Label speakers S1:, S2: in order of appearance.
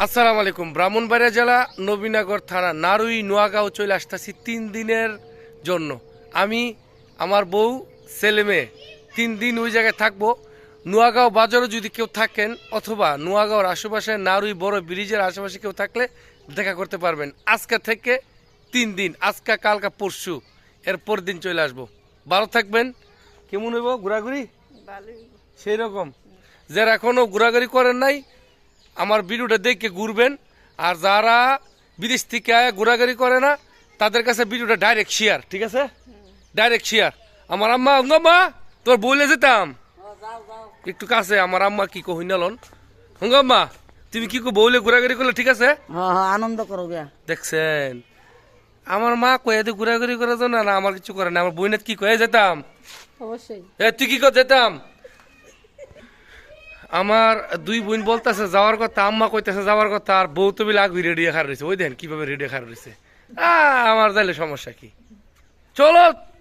S1: আসসালামু আলাইকুম। ব্রাহ্মণবাড়িয়া জেলা নবীনগর থানা নারুই নোয়াগাঁও চলে আসতেছি 3 দিনের জন্য। আমি আমার বউ ছেলে মেয়ে 3 দিন ওই জায়গায় থাকবো। নোয়াগাঁও বাজারও যদি কেউ থাকেন অথবা নোয়াগাঁওর আশেপাশে নারুই বড় ব্রিজের আশেপাশে কেউ থাকলে দেখা করতে পারবেন। আজকে থেকে 3 দিন, আজকে কালকা পরশু, এরপর দিন চলে আসবো। ভালো থাকবেন। কেমন হইব ঘোরাঘুরি? সেই রকম যারা এখনো ঘোরাঘুরি করেন নাই আমার ভিডিওটা দেখে ঘুরবেন। আর যারা বিদেশ থেকে আয় ঘোরাঘুরি করে না তাদের কাছে ভিডিওটা ডাইরেক্ট শেয়ার, ঠিক আছে? Direct share. আমার আম্মা হঙ্গাম্মা তোর বলে যেতাম একটু কাছে। আমার আম্মা কি কহিন লন হঙ্গাম্মা তুমি কি বউলে ঘোরাঘুরি করলে, ঠিক আছে?
S2: আনন্দ করো গিয়া
S1: দেখছেন আমার মা কয়ে ঘোরাঘুরি করার জন্য না, আমার কিছু করে না। আমার বইনের কি কয়ে যেতাম,
S2: অবশ্যই
S1: তুই কি করে যেতাম। আমার দুই বোন বলতেছে যাওয়ার কথা, আম্মা কইতেছে যাওয়ার কথা, আর বউ তো বিলে আগুই রেডি খার রয়েছে। ওই দেন কিভাবে রেডি খার রয়েছে। আমার যাইলে সমস্যা কি, চলো।